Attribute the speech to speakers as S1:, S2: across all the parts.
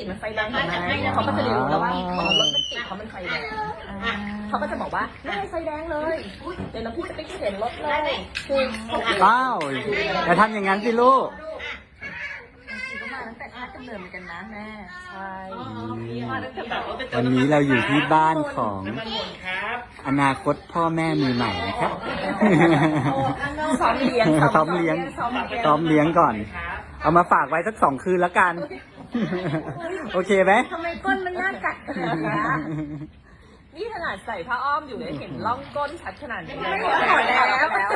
S1: ติดมันไฟแดงเห็นไหมเขาก็จะรู้แล้วว่ารถมันติดเพราะมันไฟแดงเขาก็จะบอกว่าไม่ให้ไฟแดงเลยเดี๋ยวน้องพี่จะไปเข็นรถเลยคือเขา
S2: อ้าวอย่าทำอย่างนั้นสิลูก
S1: ก็มาตั้งแต่ชาติกำเนิดเหมือนกันนะแม่ใช่มาตั้งแต่แบบ
S2: วันนี้เราอยู่ที่บ้านของอนาคตพ่อแม่มือใหม่นะครับ
S1: ซ้อมเลี้ยง
S2: ซ้อมเลี้ยงก่อน เอามาฝากไว้สัก2 คืนแล้วกัน โอเคไหม
S1: ทำไมก้นมันน่ากัดขนาดนี้นี่ขนาดใส่ผ้าอ้อมอยู่เลยเห็นร่องก้นชัดขนาดนี้ไม่ถอดแล้ว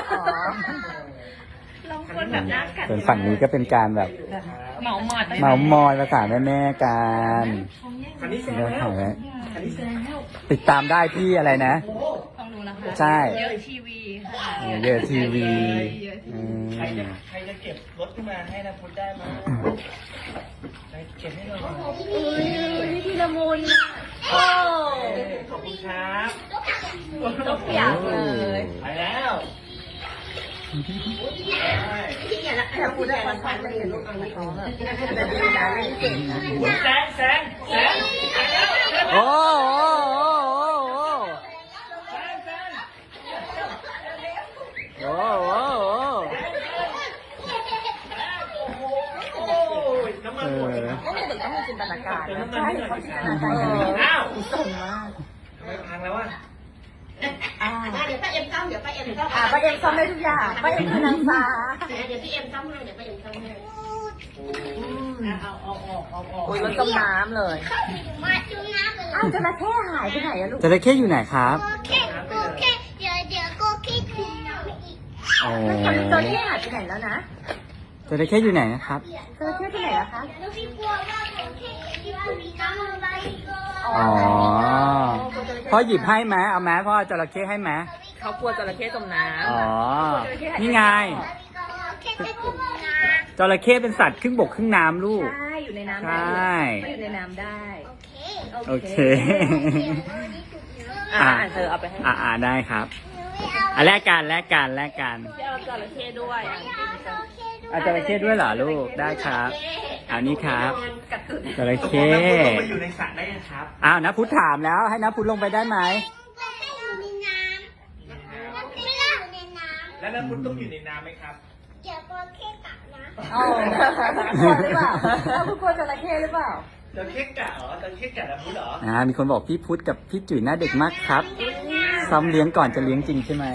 S1: ร่องก้นแบบน่ากัด
S2: ส่วนฝั่งนี้ก็เป็นการแบบเมาส์มอยภาษาแม่ๆกันเรื่องของติดตามได้ที่อะไรนะ
S3: ต้องรู้นะคะ
S2: ใช่
S3: เยอะทีวีค่ะ
S2: เยอะทีวี
S4: ใครจะเก็บรถขึ้นมาให้นะพุทธได้ไหมใครเก็บให้หน่อย
S1: นี่ทีละมุนโอ้
S4: ขอบคุณครับ
S1: ทุกอย่างเลย
S4: ไปแล้ว
S1: แต่พูดได้มันฟังไม่เห็นลูกอะไรเขาแต่ดีนะเล่นเก่งนะ
S4: แสง
S2: โอ้โอ้โอ้
S4: น้ำมันหมดเลย
S1: ไม่เด็กต้องมีจินตนาการนะใช่เขาจินตนาการกัน
S4: อ้าว
S1: ส่งมาก
S4: ทำไมพังแล้วอ่ะ
S5: เดี๋ยวป้าเอ็มซ่อมเดี๋ยวป้าเอ็มซ่อม
S1: ป้าเอ็มซ่อมได้ทุกอย่างป้าเอ็มคือนางฟ้า
S5: เดี๋ยวพี่เอ็มซ่อมให้เดี๋ยวป้าเอ็มซ่อมให้เอาออก
S1: โอ้ยมันจมน้ำเลย
S5: มาจุ่มน้ำเลย
S1: อ้าวจระเข้หายไปไหนอะลูก
S2: จระเข้อยู่ไหนครับ
S5: โอเคเดี๋ยวก็คิดถึงน้ำอีก
S2: โอ้
S1: จระเข้หายไปไหนแล้วนะ
S2: จระเข้อยู่ไหนนะครับ
S1: จระเข้ไปไหนแล้วคะ
S5: แล้วพี่กลัวว่าผมแค่คิดว่ามีน้ำอะไรก็
S2: อ๋อพ่อหยิบให้ไหมเอาไหมพ่อจระเข้ให้ไหม
S1: เขากลัวจระเข้จมน้ำ
S2: อ๋อ นี่ไง
S5: แค่จะจุ่มน้
S2: จระเข้เป็นสัตว์ครึ่งบกครึ่งน้ำลูก
S1: ใช่อยู่ในน้ำ
S2: ใช
S1: ได้
S2: ่
S1: เขาอยู่ในน้ำได้
S5: ำโอเค
S2: โอเค
S1: เธอเอาไปให้
S2: ได้ครับแลกกัน
S1: พี่เอาจระเข้ด้วย
S2: จระเข้ด้วยเหรอลูก ได้ครับเอานี่ครับ
S1: กัดตุ่น
S2: จระเข้
S4: ลงไปอยู่ในสระได้นะครับ
S2: อ้าวนะพุทธถามแล้วให้นะพุทธลงไปได้ไหม
S5: ให้อยู่ในน้ำไม่ได้อยู่ในน้ำ
S4: แล้วน้ำพุทธต้องอยู่ในน้ำไหมครับ
S5: เดี๋ยวก็แค่กัดนะ
S1: อ๋อกลัวหรือเปล่าคุณกลัวจระเข้หรือเปล่า
S4: จระเข้กัดเหรอจระเข้กัดน้ำพุทธเหรอ
S2: มีคนบอกพี่พุทธกับพี่จุ๋ยหน้าเด็กมากครับซ้อมเลี้ยงก่อนจะเลี้ยงจริงใช่ไหม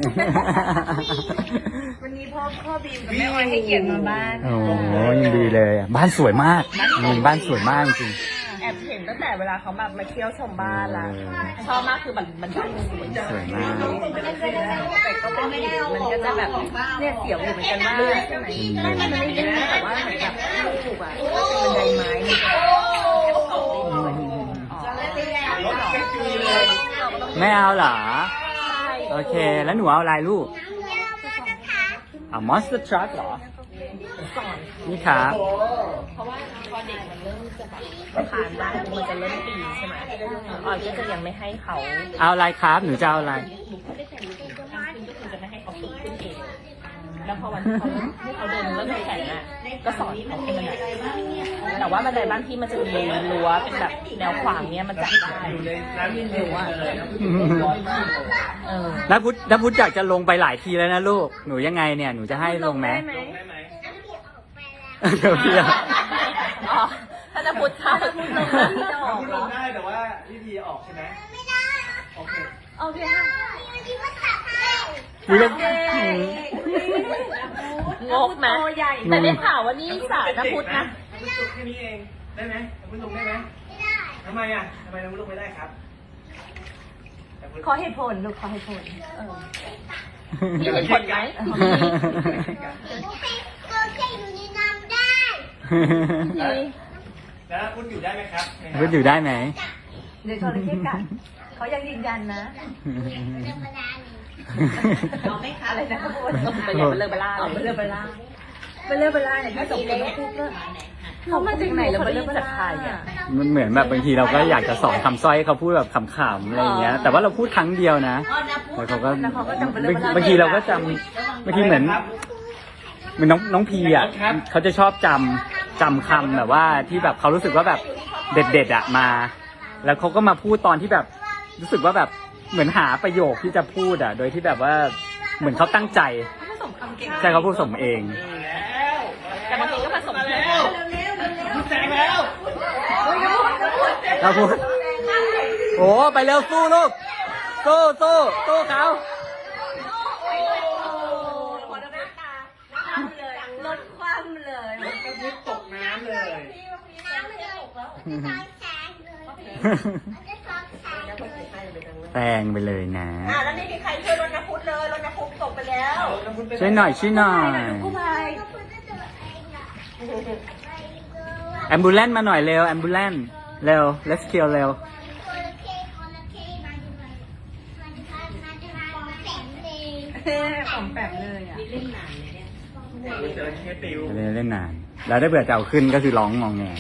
S3: วันนี้พ่อบีมกับแม่ออยให้เกียรติมาบ้าน
S2: โอ้ยังดีเลยบ้านสวยมากบ้านสวยมากจริง
S1: แอบเห็นตั้งแต่เวลาเขาแบบมาเที่ยวชมบ้านละชอบมากคือมันได้สวย
S2: สวยมาก
S1: แต่ก็ไม่ได้มันก็จะแบบเนี่ยเสียวอยู่เหมือนกันว่าใช่ไหมมันไม่ได้แต่ว่าเหมือนแบบถูกอ่ะเป็นบันไดไม้
S4: รถแค่จุยเลย
S2: ไม่เอาเหรอ
S1: ใช่
S2: โอเค แล้วหนูเอาอะไรลูกเอา Monster Truck เหรอ
S1: สอน
S2: นี่ครับ
S1: เพราะว่าพอเด็กมันเริ่มจะแบบผ่านได้มันจะเริ่มปีใช่ไหมออยก็จะยังไม่ให้เขา
S2: เอาอะไรครับ หนูจะเอาอะไร
S1: ก็คือจะไม่ให้เขาฝึกขึ้นเองแล้วพอวันที่เขาให้เขาเดินเริ่มแข็งอ่ะก็สอนเขาขึ้นบันไดแต่ว่าบันไดบ้านที่มันจะมีรั้วเป็นแบบแนวขวางเนี้ยมันจับได้
S4: อยู่ในน้ำยืนอยู่อ่ะ
S2: แล้วพุทธอยากจะลงไปหลายทีแล้วนะลูก หนูยังไงเนี่ย หนูจะให้ลงไหม
S4: ลงได้ไหม
S2: เดี๋ยวพี่อะ
S1: อ๋อถ้าจะพูดถ้าจะพูดลงแล้วที่จะออก
S4: พุทธ
S1: เหร
S4: ล
S1: อง
S4: ได้แต่ว่าพี่พีออกใช่ไหมไม่ได้ โอเค
S1: โอเคค่ะ
S2: นี่ก็
S1: งกไหมแต่ได้ข่าวว่านี่สารนะพุทธนะ
S4: พุทธแค่นี้เอง ได้ไหมพุทธลงได้ไหมไม่ได้ทำไมอ่ะทำไมพุทธลงไม่ได้ครับ
S1: ขอเหตุผลลูกขอเหตุผลมีเหตุผลไหม
S5: ก็แค่อยู่ในน้ำได้
S4: แล้วพุทธอยู่ได้ไหมครับ
S2: พุทธอยู่ได้ไหม
S1: เดี๋ยวจระเข้กัดเขายังยืนยันนะ
S5: ธรรมดาหนึ่ง
S1: เอาไหมคะอะไรนะไปอย่าไปเลิกไปล่าไปเลิกไปล่าเนี่ยถ้าสมมติว่าพูดก็เขามาจากไหนแล้วไปเลิกจากใครอ่ะ
S2: มันเหมือนแบบบางทีเราก็อยากจะสอนคำสร้อยให้เขาพูดแบบขำๆอะไรอย่างเงี้ย แต่ว่าเราพูดครั้งเดียวนะแล้วเขาก็บางทีเราก็จำบางทีเหมือนน้องพีอ่ะเขาจะชอบจจำคำแบบว่าที่แบบเขารู้สึกว่าแบบเด็ดๆอ่ะมา แล้วเขาก็มาพูดตอนที่แบบรู้สึกว่าแบบเหมือนหาประโยคที่จะพูดอ่ะ โดยที่แบบว่าเหมือนเขาตั้งใจ
S3: ผสมคำเก่ง
S2: ใช่เขาพูดสมเอง
S1: แต่บางทีก็ผสมเพื่อน
S4: แซงแล้ว
S2: เราพูดโอ้ไปเร็วสู้ลูกสู้เขา
S3: ลดความเลย
S4: รถกระพุ้ตกน้ำเลย
S2: แปลงไปเลยนะ
S5: แล้วไม่มีใครช่วยรถน้ำพุเลยรถน้ำพุตกไปแล้ว
S2: ช่วยหน่อยแอมบูเลนมาหน่อยเร็วแอมบูเลนเร็ว let's kill เร็ว
S3: ของแปมเลยอ่ะ
S4: เจอแค่ปิว
S2: เล่นนาน แล้วได้เบื่อจะเอาขึ้นก็คือร้องงองแง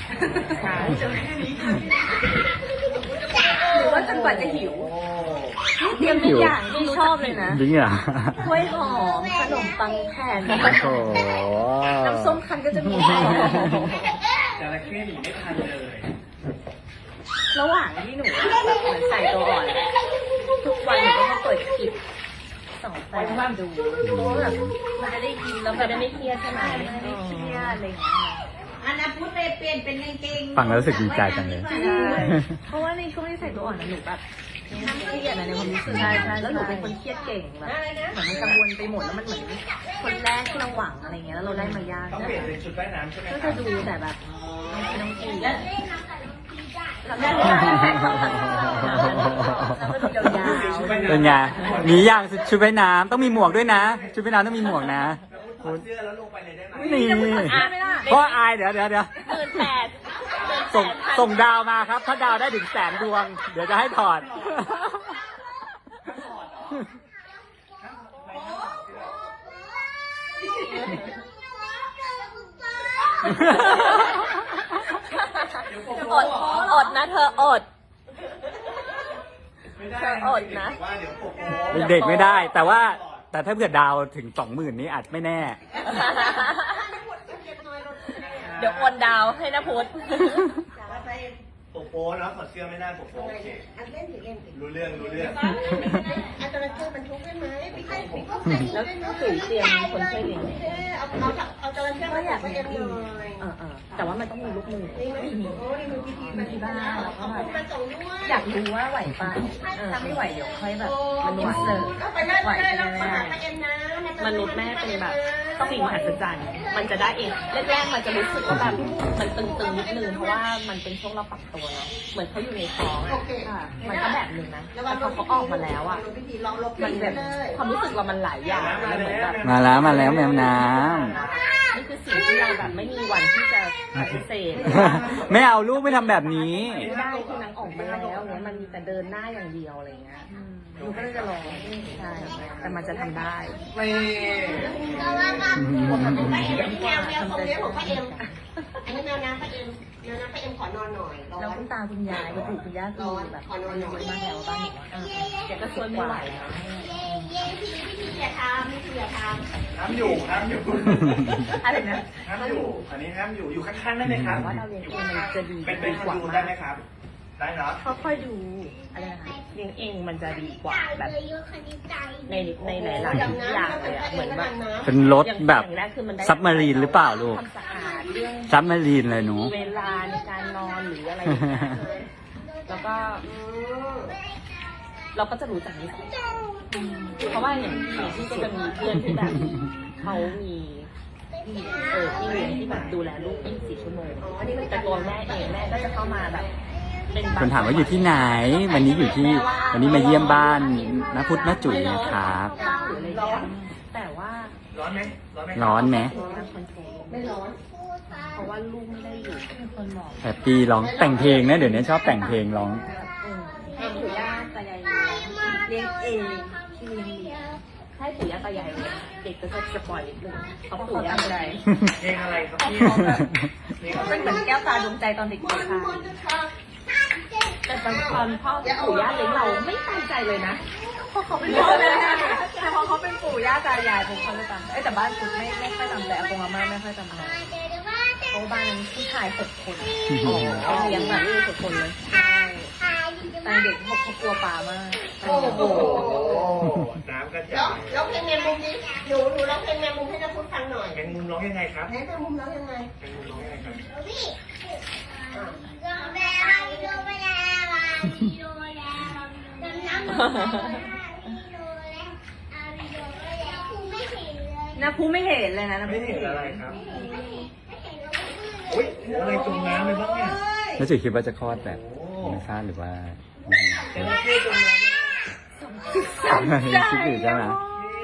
S3: หรือว่าจนกว่าจะหิว เตรียมทุกอย่างที่ชอบเลยนะ
S2: จริงเหรอก
S3: ล้วยหอม ขนมปังแผ่น
S2: โอ้โห
S3: น้ำส้มคั้นก็จะมี
S4: จระเข้หนีไม่ทันเลย
S3: ระหว่างที่หนูแบบเหมือนใส่ตัวอ่อน ทุกวันหนูก็มาเปิดคลิปสองแฟนดูเพราะว่าแบบมันจะได้ยินแล้วมันจะไม่เครียดใช่ไหมไม่ได้เครียดอะไรอย่างเงี้ย
S5: อันนั้นพุทธไปเปลี่ยนเป็นกางเกง
S2: ฟังแล้วรู้สึกดีใจจังเลย
S3: ใช่เพราะว่าในช่วงที่ใส่ตัวอ่อนนะหนูแบบเครียดอะในความรู้สึกใช่แล้วหนูเป็นคนเครียดเก่งแบบเหมือนมันกังวลไปหมดแล้วมันเหมือนคนแรกที่เราหวังอะไรเงี้ยแล้วเราได้มายาก
S4: ต้องเปลี่ยนเป็นชุดว่ายน้ำใช่ไหม
S3: ก็
S4: ครั
S3: จะ
S4: บ
S3: ดูแต่แบบน้องกีแล้วก็ดูยาว
S2: เป็นไงหนีอย่างชุดว่ายน้ำต้องมีหมวกด้วยนะ ชุดว่ายน้ำต้องมีหมวกนะ
S4: ถอดเสื้อแล้วลงไปเลยได้ไหม
S2: นี่เพราะอายเดี๋ยว
S1: 18,000
S2: ส่งดาวมาครับ ถ้าดาวได้ถึง100,000 ดวง เดี๋ยวจะให้ถอด
S1: อดนะเธออด
S4: ไม่ได้
S1: เธออดนะ
S4: ว่าเดี๋ยวปกโป๊
S2: เด็กๆไม่ได้ แต่ถ้าเผื่อดาวถึง 20,000 นี้อาจไม่แน่
S1: เดี๋ยวโอนดาวให้นะพุทธ
S4: ปกโป๊เนาะถอดเสื้อไม่ได้ปกโป๊โอเค
S5: อันเล่นถือเล่น
S4: รู้เรื่อง
S5: อันตรายมันทุกข์ได้ไหมพี่ให้พี่ก็
S1: แล้วตุ๋ยเตรียมคนช่วยเลี้ยง
S5: เอาจระเข้มาอยากไปเอ็มหน่อย
S1: แต่ว่ามันต้องมีลูกมือ
S5: นี่ไหมโอ้นี่คือพิธีมันที่บ้านแล้วก็มาส่งด้วย
S3: อยากรู้ว่าไหวปะถ้าไม่ไหวเดี๋ยวค่อยแบบมันอินเสิร์ต
S5: ก็ไปได้แล้วมาหาไปเอ็มนะ
S1: มนุษย์แม่เป็นแบบสิ่งมหัศจรรย์มันจะได้เองแรกๆมันจะรู้สึกว่าแบบมันตึงๆนิดนึงเพราะว่ามันเป็นช่วงเราปรับตัวเนาะเหมือนเขาอยู่ในท้องอะมันก็แบบนึงนะแต่พอเขาออกมาแล้วอ่ะ
S5: พิธีลองลบ
S1: มันแบบความรู้สึกเรามันหลายอย่างมันเหมือนแบบ
S2: มาแล้วแมวน้
S1: นี่คือสิ่งที่เราแบบไม่มีวันที่จะปฏิเสธ
S2: ำ ไม่เอาลูกไม่ทำแบบนี้
S1: ไม่ได้คือนางออกมาแล้วเนี่ยมันมีแต่เดินหน้าอย่างเดียวอะไรเงี้ยหนูก็เลยจะลองใช่แต่มันจะทำได้
S4: ไม่
S5: ไปเอ็มแมวของเลี้ยงของป้าเอ็มอันนี้แมวน้ำป้าเอ็มแมวน้ำป้าเอ็มขอนอนหน่อยร้อ
S3: แล้ว
S5: น
S3: คุณตาคุณยายคุณปู่คุณย่าคือแบบอายุมากแล้วบ้านหนูแกก็ช่วยไม่ไหวแล้ว
S5: เย้พี่อย่าทำพี่อย่าท
S4: ห้ามอยู่
S3: อะไรนะ
S4: ห้ามอยู่ อันนี้ห้ามอยู่ อยู่ข้างๆได้ไหมครับ
S3: ว่าเราเรียนเองมันจะดี
S4: เป็น
S3: ดี
S4: ค
S3: ก
S4: น
S3: ว่า
S4: ดู
S3: มา
S4: ได้
S3: ก
S4: ไหมครับ ได้เนาะ
S3: ค่อยๆดูอะไรนะคะ
S1: เลี้ยงเองมันจะดีกว่าแบบ
S5: ำ
S1: ในหลายๆอย่างเลยอะเหมือนแบบ
S2: เป็นรถแบบ
S1: อย่างแรกคือมันได้
S2: ซับมารีนหรือเปล่าลูก
S1: ความสะอาดเรื่อง
S2: ซับมารีนเลยหนู
S1: เวลาในการนอนหรืออะไรอย่างเงี้ยแล้วก็เราก็จะรู้จักนิสัยเพราะว่าอย่างที่ก็จะมีเพื่อนที่แบบเขามีที่เลี้ยงที่แบบดูแลลูก 24 ชั่วโมงแต่ตัวแม่เองแม่ก็จะเข้ามาแบบเป็นบง
S2: คนถามว่าอยู่ที่ไหน วันนี้มาเยี่ยมบ้านน้าพุทธน้าจุ๋ยนะครับ
S1: หรืออะไรอย่างเงี้ยแต่ว่า
S4: ร้อนไหม
S2: ร้อนไหม
S1: ไม่ร้อนเพราะว่าลูกไม่ได้อยู่เป็นคนบอก
S2: แฮปปี้ร้องแต่งเพลงนะเดี๋ยวนี้ชอบแต่งเพลงร้อง
S3: ให้ปู่ย่าตายายเลี้ยงเองที่เลี้ยง
S1: ให้ปู่ย่าตายายเลี้ยงเด็กก็จะสปอยนิดนึงเขาปู่ย่า
S3: ใจ
S4: เพลงอะไรครับพี่
S3: มันเหมือนแก้วตาดวงใจตอนเด็กๆค่ะ
S1: แต่ตอนพ่อปู่ย่าเลี้ยงเราไม่ตั้งใจเลยนะ
S3: เพราะเขาเป็นพ่อแม่แต่พอเขาเป็นปู่ย่าตายายผมเขาจะจำแต่บ้านคุณไม่ค่อยจำแต่อากงอาม่าไม่ค่อยจำอะไรเพราะบ้านนั้นผู้ชาย6 คนเขาเลี้ยงแบบลูก6 คนเลยตอนเด็กเขากลัวปลามาก
S5: โอ้โห
S4: น้ำกระจา
S5: แล้ว
S4: ย
S5: เพลงแมงมุมนี้หนูร้องเพลงแมงมุมให้น้าพุทธฟังหน่อย
S4: แมงมุมร้องยังไงครับ
S5: ไหนแมงมุมร้องยังไง
S4: แมงมุมร้องยังไงครับ
S3: นะพูไม่เห็นเลยนะ
S4: ไม่เห็นอะไรครับอุ้ยอะไรจมน้ำเลยบ้างเนี่ย
S2: แล้วจุ๋ยคิดว่าจะคลอดแบบ
S4: โอ้
S2: ธรรมชาติหรือว่า
S4: จระเข้จมน้ำเนี่ย
S2: คิดอยู่ใช่ไหม
S4: นี่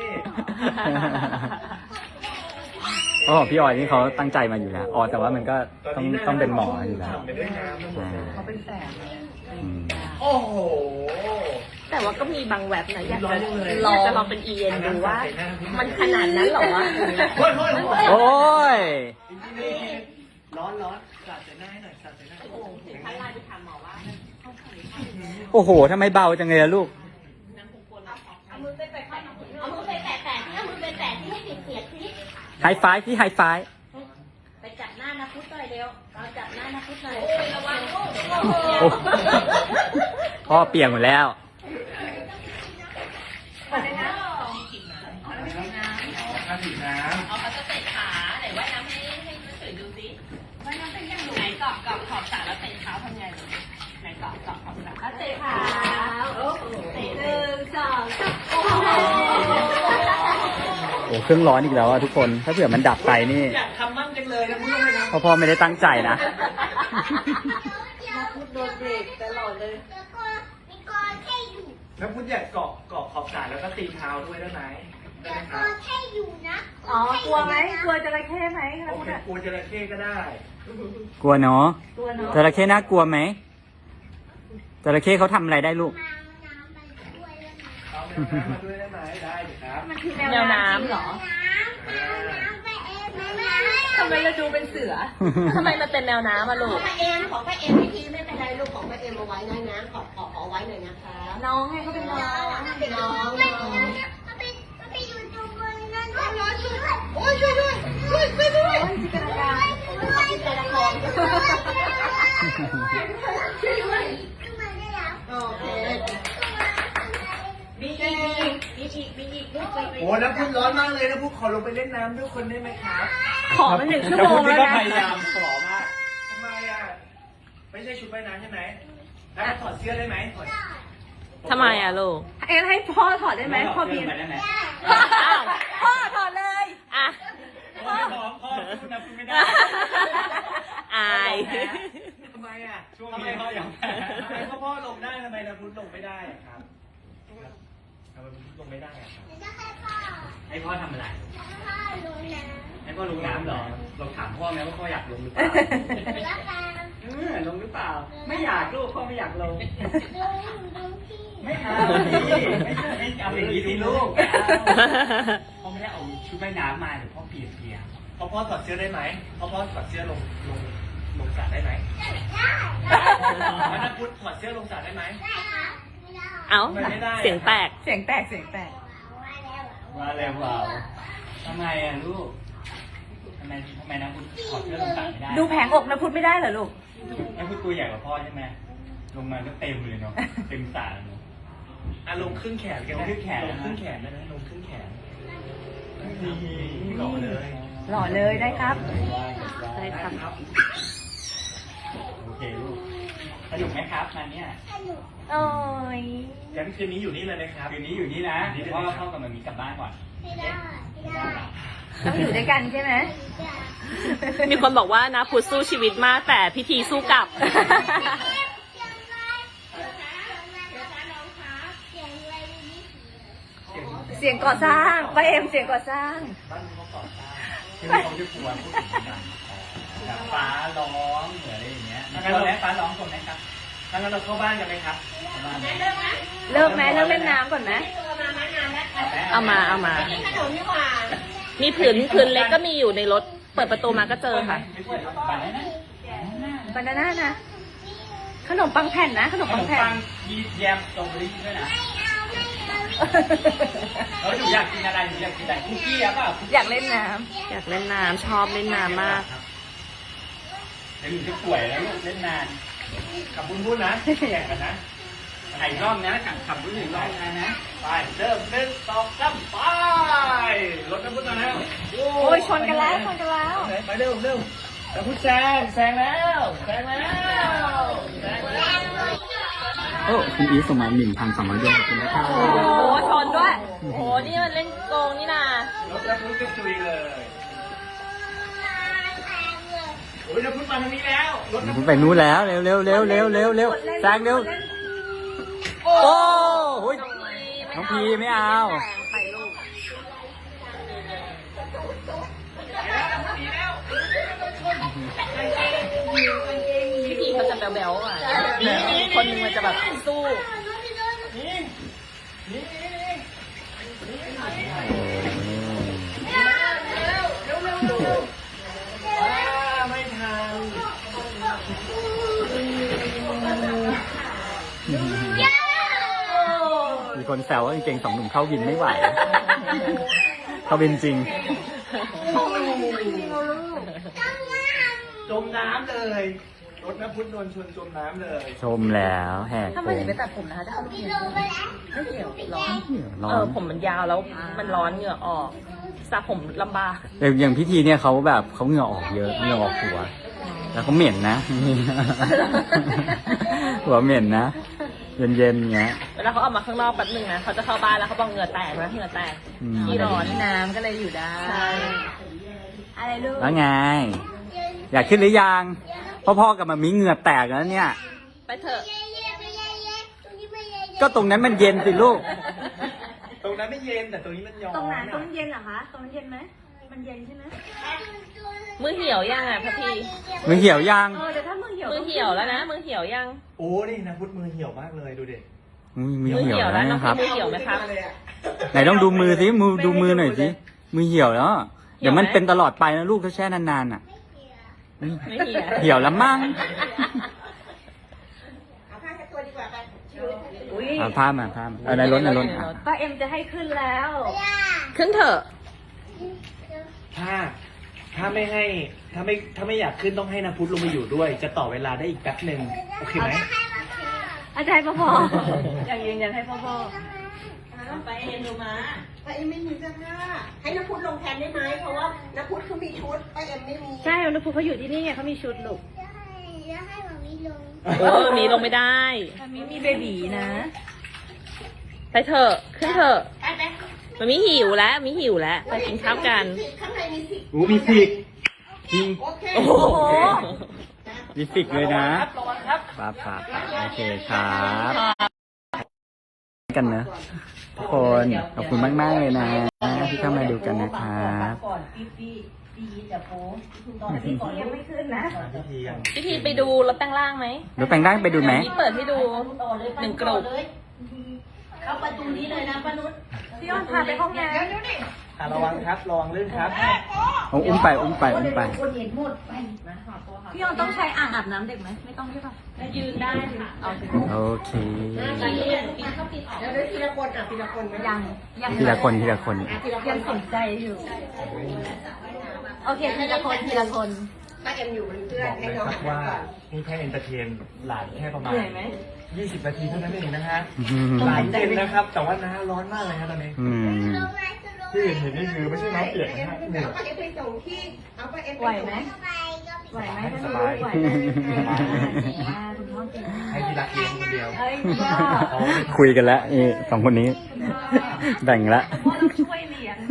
S2: อ๋อพี่ออยนี่เขาตั้งใจมาอยู่แล้วอ๋อแต่ว่ามันก็ต้องเป็นหมออยู่แล้ว
S4: ทำไปด้วยน้ำทั้งหมดเลย
S3: เขาเป็นแฝดเลย
S2: อืม
S4: โอ้โห
S1: แต่ว่าก็มีบางแว็บนะอยาก
S4: ร้อนจังเลย
S1: จะลองเป็นENดูว่า มันขนาดนั้นเหรอวะ
S4: โอ้ยโอ้ยโอ้ย
S2: โอ้ย
S4: ร้อนร้อนสาดใส่หน้าให้หน่อยสาดใส่หน้า
S1: ท่านไลน์ไปถามหมอว่า
S2: โอ้โหทำไมเบาจังเลยอะลูก
S5: เอามือไปแตะๆที่เอามือไปแตะๆที่ให้เสียดที่
S2: ไฮไฟว์พี่ไฮไฟว์
S1: ไปจับหน้านะพุทธหน่อยเร็วเราจับหน้านะพุทธหน่อยระวังลูก
S2: โอ้พ่อเปียกหมดแล้ว
S4: ถ้าถึงน้ำ
S1: เอาเขาจะเตะขาไหนว่ายน้ำให้สวยดูสิว่ายน้ำเป็นยังไงไหนเกาะขอบสระแล้วเตะเท้าทำไงไหนเกาะขอบสระแล้วเตะขาเตะ1 2 3โอ้โห
S2: โอ้เครื่องร้อนอีกแล้วอะทุกคน ถ้าเผื่อมันดับไปนี่
S4: อยากทำมั่งจังเลยนะพูดไม่ท
S2: พ่อไม่ได้ตั้งใจนะ
S3: พูดโดนเบรกตลอดเลย
S4: ำแล้วพูดอยากเกาะขอบสระแล้วก็ตีเท้าด้วยได้ไหมได้ไหมครับ
S3: อ๋อกลัวไหมกลัวจระเข้ไหมคะ
S4: โอ
S3: พูด
S4: เค
S3: อะ
S4: กลัวจระเข้ก็ได้
S2: กลัวเนาะ
S3: กลัวเนาะ
S2: จระเข้น่ากลัวไหมจระเข้เขาทำอะไรได้ลูก
S4: เอาแมวน้ำมาด้วยได้ไหมได้เดี๋ยวครับ
S3: มันคือ
S1: แมวน้ำเหรอ ทำไมเราดูเป็นเสือ ทำไมมันเป็นแมวน้ำอะลู
S5: ขอก งป้าเอ็มวิธีไม่เป็นไรลูกของป้าเอ็มเอาไว้นะขอไว้หน่อยนะคะ
S3: น้องให้เขาเป็นน้อง
S5: น้องโอ้ยช่วยด้วย
S3: จินตนาการ
S5: จิตใจละครโอเคมีอีกลูกไป
S4: โอ้แล้วพูดร้อนมากเลยนะพูดขอลงไปเล่นน้ำด้วยคนได้ไหมครับ
S3: ขอมา1 ชั่วโมงแล้ว
S2: ก็
S3: นะ
S2: พยายามขอมาก
S4: ทำไมอ่ะไม่ใช่ชุดว่ายน้ำใช่ไหมแล้วถอดเสื้อได้ไหมถอด
S1: ทำไมอะลูก
S3: เอ็นให้พ่อถอดได้ไหมพ่อบิน
S2: ได้ไหม
S1: อ้าว
S3: พ่อถอดเลย
S1: อ่ะ
S2: พ่อพูดนะพูดไม่ได้
S1: อาย
S4: ทำไมอ่ะ
S2: ช่วงนี้พ่อยัง
S4: ทำไมพ่อลงได้ทำไมนะพุทธลงไม่ได้อะครับทำไมพุทธลงไม่ได้อะครับ
S2: ให้พ่อทำอะไรให้พ่อลงน้ำเหรอเราถามพ่อไหมว่าพ่ออยากลงหรือเปล่าลงหรือเปล่า ไม่อยากลูกพ่อไม่อยากลง ไม่เอาไม่เอาอย่างนี้สิลูกพ่อไม่ได้เอาชุดว่ายน้ำมาเดี๋ยวพ่อเปียก
S4: พ่อถอดเสื้อได้ไหมพ่อถอดเสื้อลงสระได้ไหมแล้วนะพุทธถอดเสื้อลงสระได้ไหม
S1: เอ้า
S4: ไม่ได้
S1: เสียงแตก
S3: เสียงแตก
S2: มาแล้วเปล่าทำไมอ่ะลูกทำไมนะคุณถอดเสื้อลงสระไม่ได้
S3: ดูแผงอกนะพูดไม่ได้เหรอลูก
S2: แล้วคุณตัวใหญ่กว่าพ่อใช่ไหมลงมาก็เต็มเลยเนาะเต็มสระเลยเนาะ
S4: อ่ะลงครึ่งแขนกัน
S2: ลงครึ่งแขน
S4: ลงครึ่งแขนได้ไหมลงครึ่งแขนหล่อเลย
S3: หล่อเลยได้ครับ
S1: ได้ครับ
S2: โอเคลูกสนุกไหมครับมาเนี่ย
S3: โอ้ย
S4: งั้นคืนนี้อยู่นี่เลยนะครับ
S2: คืนนี้อยู่นี่นะเดี๋ยวพ่อเข้ากับมันมีกลับบ้านก่อน
S3: ต้องอยู่ด้วยกันใช่ไหม
S1: มีคนบอกว่านะพุทธสู้ชีวิตมากแต่พิธีสู้กลับ
S3: เสียงก่อสร้างป้าเอ็มเสียงก่อสร้าง
S4: บ้านเขาก่อสร้าง
S2: คือเขาจะกลัวพูดถึงกันแบบฟ้าร้องเหมือนอะไรอย่างเงี้ยมีคนไหมฟ้าร้องคนไหมครับ
S4: งั้นเราเข้าบ้านกันไหมครับ
S2: บ้านไหม
S3: เลิกไหมเลิกเล่นน้ำก่อนไหม
S1: เอามา
S5: นี่ขนมนี่หว่า
S1: มีผืนเล็กก็มีอยู่ในรถ เปิดประตูมาก็เจอค่ะ
S2: ไม่ช่วยบ้านไหนนะ
S3: บานาน่านะ ขนมปังแผ่นนะ ขนม
S2: ข
S3: ปั
S2: น
S3: ง
S2: ม
S3: แผ่
S2: ปั
S3: น
S2: งยีแยมสตรอเบอรี่ด้วยนะแล้วหนูอยากกินอะไรหนูอยากกินอะไรคุกกี้อะเปล่า
S3: อยากเล่นน้
S1: อยากเล่นน้ำชอบเล่นน้ำมาก
S2: คจะอยู่จะป่วยแล้วลูกเล่นนานขับบุญบุญนะแข่งกันนะไอ้รอบนะขับบุญหนึ่งรอบนะไปเริ่ม1 2 3ไปรถน้ำพุทธมาแล้ว
S3: โอ้ยชนกันแล้วชนกันแล้ว
S2: ไปเร็วเร็วน้ำพุทธแซงแล้วโอ้คุณอีสมัย1,200 ดวงขอบคุณนะครับ
S3: โอ้โหชนด้วยโอ้โหนี่มันเล่นโกงนี่นะ
S2: รถน้ำพุทธก็จุยเลยโอ้ยน้ำพุทธมาทางนี้แล้วรถน้ำพุทธไปนู้นแล้วเร็วแซงเร็วโอ้โหน้องพีไม่เอา
S3: ไปลูก พี่พีเขาจะแบ๊วๆอ่ะคนหนึงมันจะแบบสู้
S2: ไม่ทัน มีคนแซวว่าเก่งๆ2 หนุ่มเข้าวินไม่ไหว เข้าวินจริง
S4: จมน้ำเลยรถน้ำพุทธโดนชนจมน้ำเลย
S2: ชมแล้วแหก
S3: ถ้า
S2: โค้
S3: ไม่
S2: ง
S3: ถึงไปตัดผมนะคะจะเข้าไปเกี่ยวไม่เกี่ยวร้อน
S2: ร้อ
S1: ผมมันยาวแล้วมันร้อนเหงื่อออกสระผมลำบาก
S2: อย่างพิธีเนี่ยเขาแบบเขาเหงื่อออกเยอะเหงื่อออกหัว แล้วเขาเหม็นนะ หัวเหม็นนะ เย็นๆอย่างเงี้ย
S1: เวลาเขาออกมาข้างนอกแป๊บนึงนะเขาจะเข้าบ้านแล้วเขาบอกเหงื่อแตกนะเหงื่อแตก
S3: ที่ร้อนน้ำก็เลยอยู่ได้
S1: ใช่
S3: อะไรลูก
S2: แล้วไง อยากขึ้นหรือยังพ่อๆกับมามีเหงื่อแตกแล้วเนี่ย
S1: ไปเถอะ
S2: ก็ตรงนั้นมันเย็นสิลูก
S4: ตรงนั้นไม่เย็นแต่ตรงนี้มันร้อน
S3: ตรงนั้นตรงเย็นเหรอคะตรงนั้นเย็นไหมมันเย็นใช่ไหม
S1: มือเหี่ยวยังอ่ะพี่
S2: มือเหี่ยวยัง
S3: เดี๋ยวถ้ามือเหี่ยว
S1: มือเหี่ยวแล้วนะมือเหี่ยวยัง
S4: โอ้นี่น้ำพุทธมือเหี่ยวมากเลยดูดิ
S2: มือเหี่ยวแล้ว
S1: น้อง
S2: นะครับ
S1: มือเหี่ยวไหมครับ
S2: ไหนต้องดูมือสิดูมือหน่อยสิมือเหี่ยวแล้ว เดี๋ยวมันเป็นตลอดไปนะลูกถ้าแช่นานๆอ่ะ
S1: ไม่เหี่ยว
S2: เหี่ยวแล้วมั้ง
S5: เอาผ้าเช็ดตัวดีกว่าไปชิว
S3: อุ้ย
S2: เอาผ้ามาเอาในรถอ่ะ
S3: ป้าเอ็มจะให้ขึ้นแล้ว
S1: ขึ้นเถอะ
S4: ถ้าไม่อยากขึ้นต้องให้น้ำพุทธลงมาอยู่ด้วย จะต่อเวลาได้อีกแป๊บหนึ่งโอเคไหม
S3: อาจารย์พ่ออย่างยืนยันให้พ่อ
S5: ไปเอ็มดูมาไปเอ็มไม่มีเสื้อผ้าให้น้ำพุทธลงแทนได้ไหมเพราะว่าน้ำพุทธเขามีชุดไปเอ็มไม่มี
S3: ใช่นุภูเขาอยู่ที่นี่ไงเขามีชุดลูก
S1: มีลงไม่ได้
S3: มีเบบีนะ
S1: ไปเถอะขึ้นเถอะ
S5: ไป
S1: มันมีหิวแล้วมีหิวแล้วไปกินข้าวกัน
S5: ข้างในมีสิ
S2: โอ้มีฟิกจริง
S5: โอเค
S1: โอ้โห
S2: มีฟิกเลยนะ
S4: ระวังครับ
S2: ป้าโอเคครับกันนะทุกคนขอบคุณมากๆเลยนะที่เข้ามาดูกันนะครับ
S3: ยังไม่ขึ้นนะ
S4: พิธียัง
S1: พี่ทีไปดูรถแปลงร่างไหม
S2: รถแปลงร่างไปดูไหม
S1: พี่เปิดให้ดู1 กลุ่ม
S5: เข้าประตูนี้เลยนะป้านุช
S3: พี่อ้อนพาไปห้องน้
S4: ระวังครับระวังลื่นครับ
S2: เอาอุ้มไป
S3: ำพี่อ้อนต้องใช้อ่างอาบน้ำเด็กไหมไม่ต้องใช่ป่ะ
S1: ยืนได้ค่ะ
S2: โอเค
S5: เดี๋ยวทีละคนทีละคนนะ
S3: ยัง
S2: ทีละคน
S3: ยังสนใจอยู่ โอเคทีละคน
S5: ป้าเอ็มอยู่เป็นเพื่อบ น
S4: อก
S5: ให้
S4: เลย
S5: น้อง
S4: ครับว่านี่แค่เอนเตอร์เทนหลานแค่ประมาณ
S3: เหนื่อยไหม
S4: 20 นาทีเท่านั้นเองนะฮะ
S2: อืม
S4: หลานเย็นนะครับ แต่ว่าน้าร้อนมากเลยครับตอนนี้
S2: อืม
S4: ที่เห็นนี่คือไม่ใช่น้ำเปียกนะฮะเหนื่อย
S5: เอาป้าเอ็มไปส่งที่เอาป้าเอ็มไป
S3: ไหว
S5: ส่ง
S3: ไหมไหวไหม
S4: สบาย
S3: ไหวไหมคุณพ่อเก่ง
S4: ให้ที่รักเลี้ยงคนเดียว
S3: เอ้ยพ่อ
S2: คุยกันแล้วสองคนนี้ แบ่งละ
S3: พ่อต้องช่วยเลี้ยง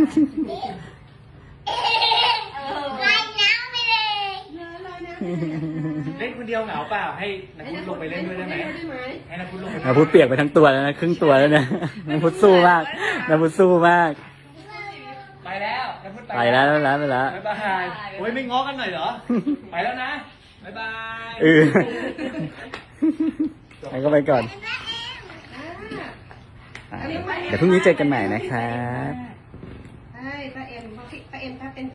S4: เล่นคนเดียวเหงาเปล่าให้นักพุทธลงไปเล่นด้วยได้ไหมให้นักพุทธลงไป
S2: น้ำพุทธเปียกไปทั้งตัวแล้วนะครึ่งตัวแล้วนะน้ำพุทธสู้มากน้ำพุทธสู้มาก
S4: ไปแล้วนักพุทธ
S2: ไปแล้ว
S4: บ๊ายบายโอ้ยไม่ง้อกันหน่อยเหรอ ไปแล้วนะบ๊ายบาย
S2: ไปก็ไปก่อนเดี๋ยวพรุ่งนี้เจอกันใหม่นะครับ
S5: ใช่ป้าเอ็มถ้าเป็น